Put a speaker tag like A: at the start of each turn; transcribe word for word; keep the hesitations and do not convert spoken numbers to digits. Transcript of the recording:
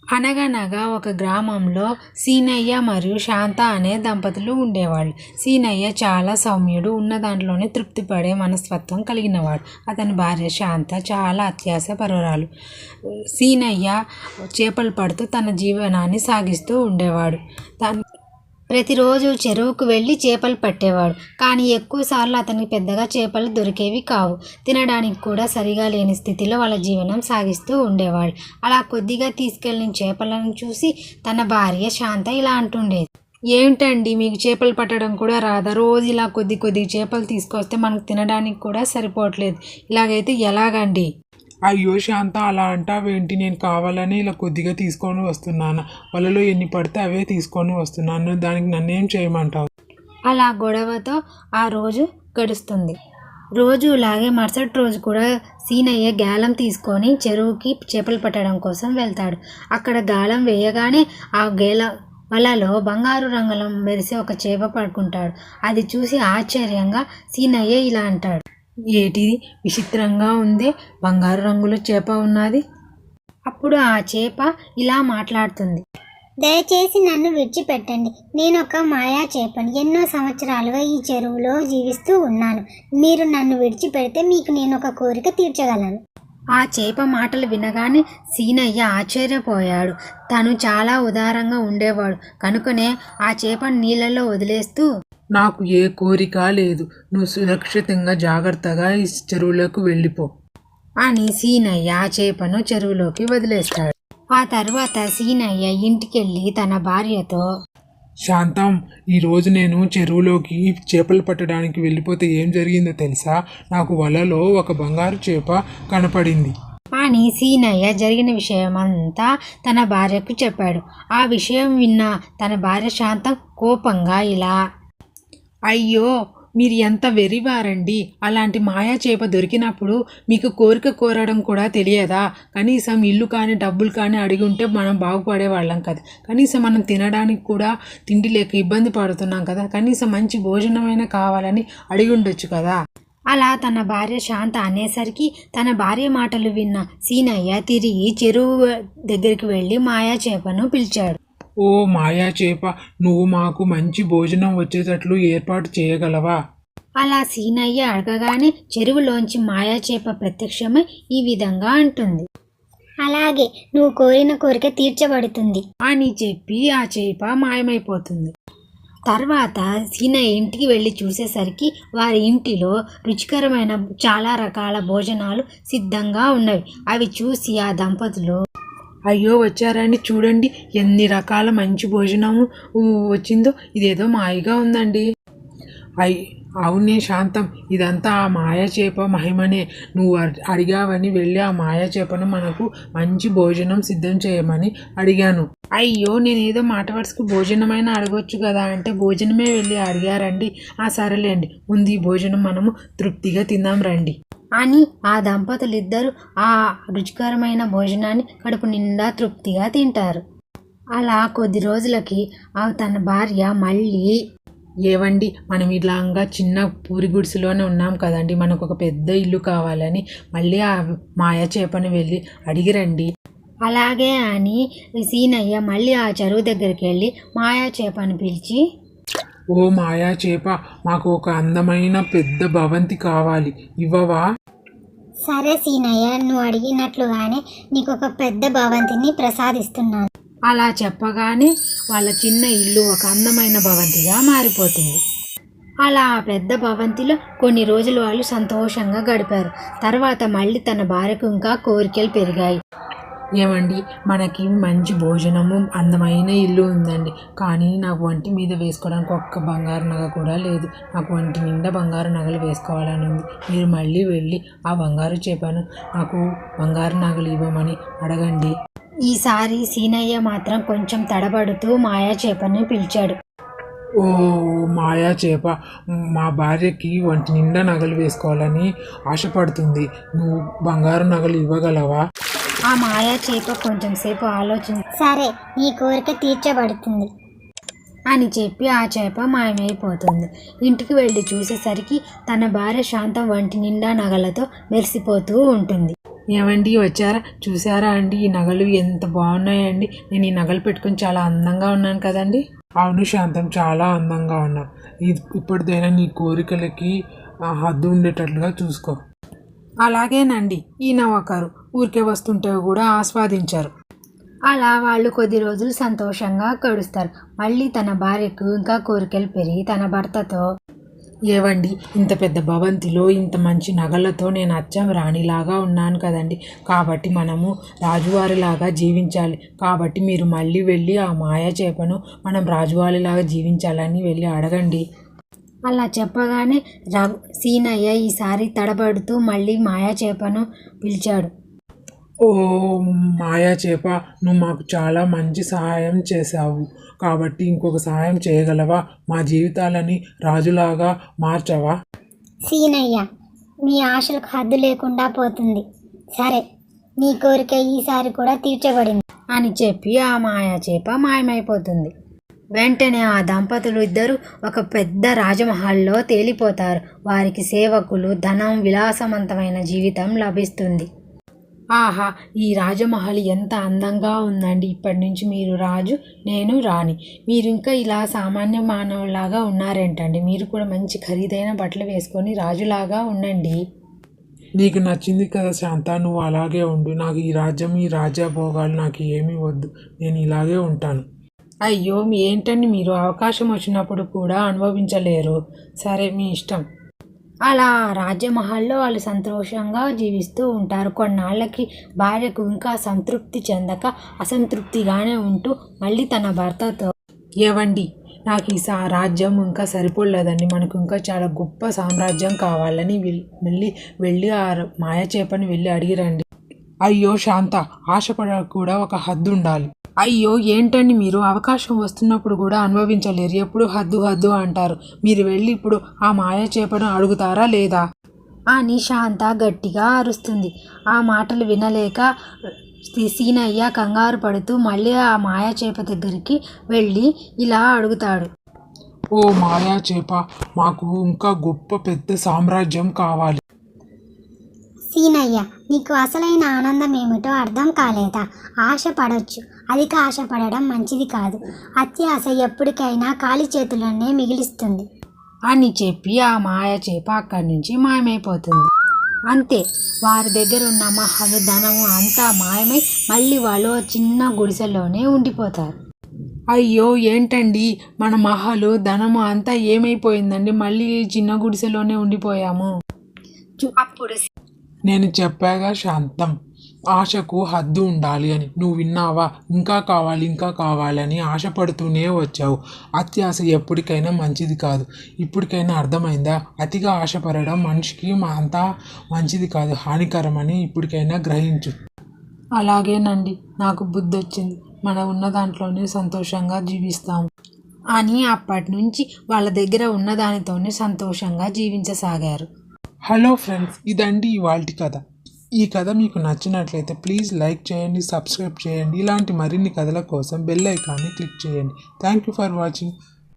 A: అనగనగా ఒక గ్రామంలో సీనయ్య మరియు శాంత అనే దంపతులు ఉండేవాళ్ళు. సీనయ్య చాలా సౌమ్యుడు, ఉన్న దాంట్లోనే తృప్తిపడే మనస్తత్వం కలిగినవాడు. అతని భార్య శాంత చాలా అత్యాశ పరురాలు. సీనయ్య చేపలు పడుతూ తన జీవనాన్ని సాగిస్తూ ఉండేవాడు. తను ప్రతిరోజు చెరువుకు వెళ్ళి చేపలు పట్టేవాడు. కానీ ఎక్కువసార్లు అతనికి పెద్దగా చేపలు దొరికేవి కావు. తినడానికి కూడా సరిగా లేని స్థితిలో వాళ్ళ జీవనం సాగిస్తూ ఉండేవాడు. అలా కొద్దిగా తీసుకెళ్ళిన చేపలను చూసి తన భార్య శాంత ఇలా అంటుండేది. ఏమిటండి, మీకు చేపలు పట్టడం కూడా రాదా? రోజు ఇలా కొద్ది కొద్ది చేపలు తీసుకొస్తే మనకు తినడానికి కూడా సరిపోవట్లేదు. ఇలాగైతే ఎలాగండి?
B: అయ్యో శాంత, అలా అంటావేంటి? నేను కావాలని ఇలా కొద్దిగా తీసుకొని వస్తున్నాను. వలలో ఎన్ని పడితే అవే తీసుకొని వస్తున్నాను. దానికి నన్నేం చేయమంటావు?
A: అలా గొడవతో ఆ రోజు గడుస్తుంది. రోజు ఇలాగే మరుసటి రోజు కూడా సీనయ్య గాలం తీసుకొని చెరువుకి చేపలు పట్టడం కోసం వెళ్తాడు. అక్కడ గాలం వేయగానే ఆ గేల వలలో బంగారు రంగులో మెరిసే ఒక చేప పడుకుంటాడు. అది చూసి ఆశ్చర్యంగా సీనయ్య ఇలా అంటాడు. ఏటిది, విచిత్రంగా ఉందే, బంగారు రంగులో చేప ఉన్నది. అప్పుడు ఆ చేప ఇలా మాట్లాడుతుంది.
C: దయచేసి నన్ను విడిచిపెట్టండి. నేను ఒక మాయా చేపను. ఎన్నో సంవత్సరాలుగా ఈ చెరువులో జీవిస్తూ ఉన్నాను. మీరు నన్ను విడిచిపెడితే మీకు నేను ఒక కోరిక తీర్చగలను.
A: ఆ చేప మాటలు వినగానే సీనయ్య ఆశ్చర్యపోయాడు. తను చాలా ఉదారంగా ఉండేవాడు కనుకనే ఆ చేపను నీళ్ళలో వదిలేస్తూ,
B: నాకు ఏ కోరిక లేదు. నువ్వు సురక్షితంగా జాగ్రత్తగా ఈ చెరువులోకి వెళ్ళిపో
A: అని సీనయ్య ఆ చేపను చెరువులోకి వదిలేస్తాడు. ఆ తర్వాత సీనయ్య ఇంటికెళ్ళి తన భార్యతో,
B: శాంతం, ఈరోజు నేను చెరువులోకి చేపలు పట్టడానికి వెళ్ళిపోతే ఏం జరిగిందో తెలుసా? నాకు వలలో ఒక బంగారు చేప కనపడింది
A: అని సీనయ్య జరిగిన విషయమంతా తన భార్యకు చెప్పాడు. ఆ విషయం విన్న తన భార్య శాంతం కోపంగా ఇలా, అయ్యో, మీరు ఎంత వెర్రివారండి! అలాంటి మాయా చేప దొరికినప్పుడు మీకు కోరిక కోరడం కూడా తెలియదా? కనీసం ఇల్లు కానీ డబ్బులు కానీ అడిగి ఉంటే మనం బాగుపడేవాళ్ళం కదా. కనీసం మనం తినడానికి కూడా తిండి లేక ఇబ్బంది పడుతున్నాం కదా. కనీసం మంచి భోజనమైనా కావాలని అడిగి ఉండొచ్చు కదా. అలా తన భార్య శాంత అనేసరికి తన భార్య మాటలు విన్న సీనయ్య తిరిగి చెరువు దగ్గరికి వెళ్ళి మాయా చేపను పిలిచాడు.
B: ఓ మాయా చేప, నువ్వు మాకు మంచి భోజనం వచ్చేటట్లు ఏర్పాటు చేయగలవా?
A: అలా సీనయ్య అడగగానే చెరువులోంచి మాయా చేప ప్రత్యక్షమై ఈ విధంగా అంటుంది.
C: అలాగే, నువ్వు కోరిన కోరిక తీర్చబడుతుంది
A: అని చెప్పి ఆ చేప మాయమైపోతుంది. తర్వాత సీనయ్య ఇంటికి వెళ్ళి చూసేసరికి వారి ఇంటిలో రుచికరమైన చాలా రకాల భోజనాలు సిద్ధంగా ఉన్నవి. అవి చూసి ఆ దంపతులు,
B: అయ్యో వచ్చారండి, చూడండి ఎన్ని రకాల మంచి భోజనము వచ్చిందో. ఇదేదో మాయగా ఉందండి. అయ్ అవునే శాంతం, ఇదంతా ఆ మాయా చేప మహిమనే. నువ్వు అడిగావని వెళ్ళి ఆ మాయా చేపను మనకు మంచి భోజనం సిద్ధం చేయమని అడిగాను. అయ్యో, నేనేదో మాట వరుసకు భోజనమైనా అడగొచ్చు కదా అంటే భోజనమే వెళ్ళి అడిగారండి. ఆ సరేలేండి, ముందు ఈ భోజనం మనము తృప్తిగా తిందాం రండి
A: అని ఆ దంపతులిద్దరూ ఆ రుచికరమైన భోజనాన్ని కడుపు నిండా తృప్తిగా తింటారు. అలా కొద్ది రోజులకి ఆ తన భార్య మళ్ళీ,
B: ఏవండి, మనం ఇలాగా చిన్న పూరి గుడిసెలోనే ఉన్నాం కదండి, మనకు ఒక పెద్ద ఇల్లు కావాలని మళ్ళీ ఆ మాయా చేపని వెళ్ళి అడిగిరండి.
A: అలాగే అని సీనయ్య మళ్ళీ ఆ చెరువు దగ్గరికి వెళ్ళి మాయా చేపను పిలిచి,
B: ఓ మాయా చేప, మాకు ఒక అందమైన పెద్ద భవంతి కావాలి, ఇవ్వవా?
C: సరే సీనయ్య, నువ్వు అడిగినట్లుగానే నీకు ఒక పెద్ద భవంతిని ప్రసాదిస్తున్నాను.
A: అలా చెప్పగానే వాళ్ళ చిన్న ఇల్లు ఒక అందమైన భవంతిగా మారిపోతుంది. అలా ఆ పెద్ద భవంతిలో కొన్ని రోజులు వాళ్ళు సంతోషంగా గడిపారు. తర్వాత మళ్ళీ తన భార్యకు ఇంకా కోరికలు పెరిగాయి.
B: ఏమండి, మనకి మంచి భోజనము అందమైన ఇల్లు ఉందండి, కానీ నాకు ఒంటి మీద వేసుకోవడానికి ఒక్క బంగారు నగ కూడా లేదు. నాకు ఒంటి నిండా బంగారు నగలు వేసుకోవాలని ఉంది. మీరు మళ్ళీ వెళ్ళి ఆ బంగారు చేపను నాకు బంగారు నగలు ఇవ్వమని అడగండి.
A: ఈసారి సీనయ్య మాత్రం కొంచెం తడబడుతూ మాయా చేపని పిలిచాడు.
B: ఓ మాయా చేప, మా భార్యకి ఒంటి నిండా నగలు వేసుకోవాలని ఆశపడుతుంది. నువ్వు బంగారు నగలు ఇవ్వగలవా?
A: ఆ మాయా చేప కొంచెం సేపు ఆలోచించి,
C: సరే, నీ కోరిక తీర్చబడుతుంది
A: అని చెప్పి ఆ చేప మాయమైపోతుంది. ఇంటికి వెళ్ళి చూసేసరికి తన భార్య శాంతం ఒంటి నిండా నగలతో మెరిసిపోతూ ఉంటుంది. ఏమండి వచ్చారా? చూసారా అండి ఈ నగలు ఎంత బాగున్నాయండి? నేను ఈ నగలు పెట్టుకుని చాలా అందంగా ఉన్నాను కదండి.
B: అవును శాంతం, చాలా అందంగా ఉన్నావు. ఇది ఇప్పటిదైనా నీ కోరికలకి ఆ, హద్దు ఉండేటట్లుగా చూసుకో.
A: అలాగేనండి. ఈయన ఒకరు ఊరికే వస్తుంటే కూడా ఆస్వాదించారు. అలా వాళ్ళు కొద్ది రోజులు సంతోషంగా గడుస్తారు. మళ్ళీ తన భార్యకు ఇంకా కోరికలు పెరిగి తన భర్తతో, ఏవండి ఇంత పెద్ద భవంతిలో ఇంత మంచి నగలతో నేను అచ్చం రాణిలాగా ఉన్నాను కదండి, కాబట్టి మనము రాజువారిలాగా జీవించాలి. కాబట్టి మీరు మళ్ళీ వెళ్ళి ఆ మాయా చేపను మనం రాజువారిలాగా జీవించాలని వెళ్ళి అడగండి. అలా చెప్పగానే రఘు సీనయ్య ఈసారి తడబడుతూ మళ్ళీ మాయా చేపను పిలిచాడు.
B: ఓ మాయా చేప, నువ్వు మాకు చాలా మంచి సహాయం చేశావు. కాబట్టి ఇంకొక సహాయం చేయగలవా? మా జీవితాలని రాజులాగా మార్చవా?
C: సీనయ్య, మీ ఆశలకు హద్దు లేకుండా పోతుంది. సరే, నీ కోరిక ఈసారి కూడా తీర్చబడింది
A: అని చెప్పి ఆ మాయా చేప మాయమైపోతుంది. వెంటనే ఆ దంపతులు ఇద్దరు ఒక పెద్ద రాజమహల్లో తేలిపోతారు. వారికి సేవకులు, ధనం, విలాసవంతమైన జీవితం లభిస్తుంది. ఆహా, ఈ రాజమహల్ ఎంత అందంగా ఉందండి. ఇప్పటి నుంచి మీరు రాజు, నేను రాణి. మీరు ఇంకా ఇలా సామాన్య మానవులాగా ఉన్నారేంటండి? మీరు కూడా మంచి ఖరీదైన బట్టలు వేసుకొని రాజులాగా ఉండండి.
B: నీకు నచ్చింది కదా శాంత, నువ్వు అలాగే ఉండు. నాకు ఈ రాజ్యం, ఈ రాజ్యభోగాలు నాకు ఏమీ వద్దు. నేను ఇలాగే ఉంటాను.
A: అయ్యో, ఏంటండి మీరు అవకాశం వచ్చినప్పుడు కూడా అనుభవించలేరు. సరే, మీ ఇష్టం. అలా రాజ్యమహల్లో వాళ్ళు సంతోషంగా జీవిస్తూ ఉంటారు. కొన్నాళ్ళకి భార్యకు ఇంకా సంతృప్తి చెందక అసంతృప్తిగానే ఉంటూ మళ్ళీ తన భర్తతో, ఏవండి నాకు ఈ సా రాజ్యం ఇంకా సరిపోలేదండి, మనకు ఇంకా చాలా గొప్ప సామ్రాజ్యం కావాలని మళ్ళీ వెళ్ళి ఆ మాయా చేపని వెళ్ళి అడిగిరండి.
B: అయ్యో శాంత, ఆశపడ కూడా ఒక హద్దు ఉండాలి.
A: అయ్యో ఏంటండి మీరు అవకాశం వస్తున్నప్పుడు కూడా అనుభవించలేరు. ఎప్పుడు హద్దు హద్దు అంటారు. మీరు వెళ్ళి ఇప్పుడు ఆ మాయా చేపను అడుగుతారా లేదా అని శాంత గట్టిగా అరుస్తుంది. ఆ మాటలు వినలేక సీనయ్య కంగారు పడుతూ మళ్ళీ ఆ మాయా చేప దగ్గరికి వెళ్ళి ఇలా అడుగుతాడు.
B: ఓ మాయా చేప, మాకు ఇంకా గొప్ప పెద్ద సామ్రాజ్యం కావాలి.
C: సీనయ్య, నీకు అసలైన ఆనందం ఏమిటో అర్థం కాలేదా? ఆశ పడవచ్చు, అధిక ఆశ పడడం మంచిది కాదు. అత్యాశ ఎప్పటికైనా ఖాళీ చేతులనే మిగిలిస్తుంది
A: అని చెప్పి ఆ మాయా చేప అక్కడి నుంచి మాయమైపోతుంది. అంతే, వారి దగ్గర ఉన్న మహలు, ధనము అంతా మాయమై మళ్ళీ వాళ్ళు చిన్న గుడిసెలోనే ఉండిపోతారు. అయ్యో ఏంటండి, మన మహలు, ధనము అంతా ఏమైపోయిందండి? మళ్ళీ చిన్న గుడిసెలోనే ఉండిపోయాము. అప్పుడు
B: నేను చెప్పాగా శాంతం, ఆశకు హద్దు ఉండాలి అని. నువ్వు విన్నావా? ఇంకా కావాలి, ఇంకా కావాలని ఆశపడుతూనే వచ్చావు. అత్యాశ ఎప్పటికైనా మంచిది కాదు. ఇప్పటికైనా అర్థమైందా? అతిగా ఆశపడడం మనిషికి అంతా మంచిది కాదు, హానికరమని ఇప్పటికైనా గ్రహించు.
A: అలాగేనండి, నాకు బుద్ధి వచ్చింది. మనం ఉన్న దాంట్లోనే సంతోషంగా జీవిస్తాము అని అప్పటి నుంచి వాళ్ళ దగ్గర ఉన్న దానితోనే సంతోషంగా జీవించసాగారు.
B: హలో ఫ్రెండ్స్, ఇదండి ఇవాల్టి కథ. ఈ కథ మీకు నచ్చినట్లయితే ప్లీజ్ లైక్ చేయండి, సబ్స్క్రైబ్ చేయండి. ఇలాంటి మరిన్ని కథల కోసం బెల్ ఐకాన్ని క్లిక్ చేయండి. Thank you for watching.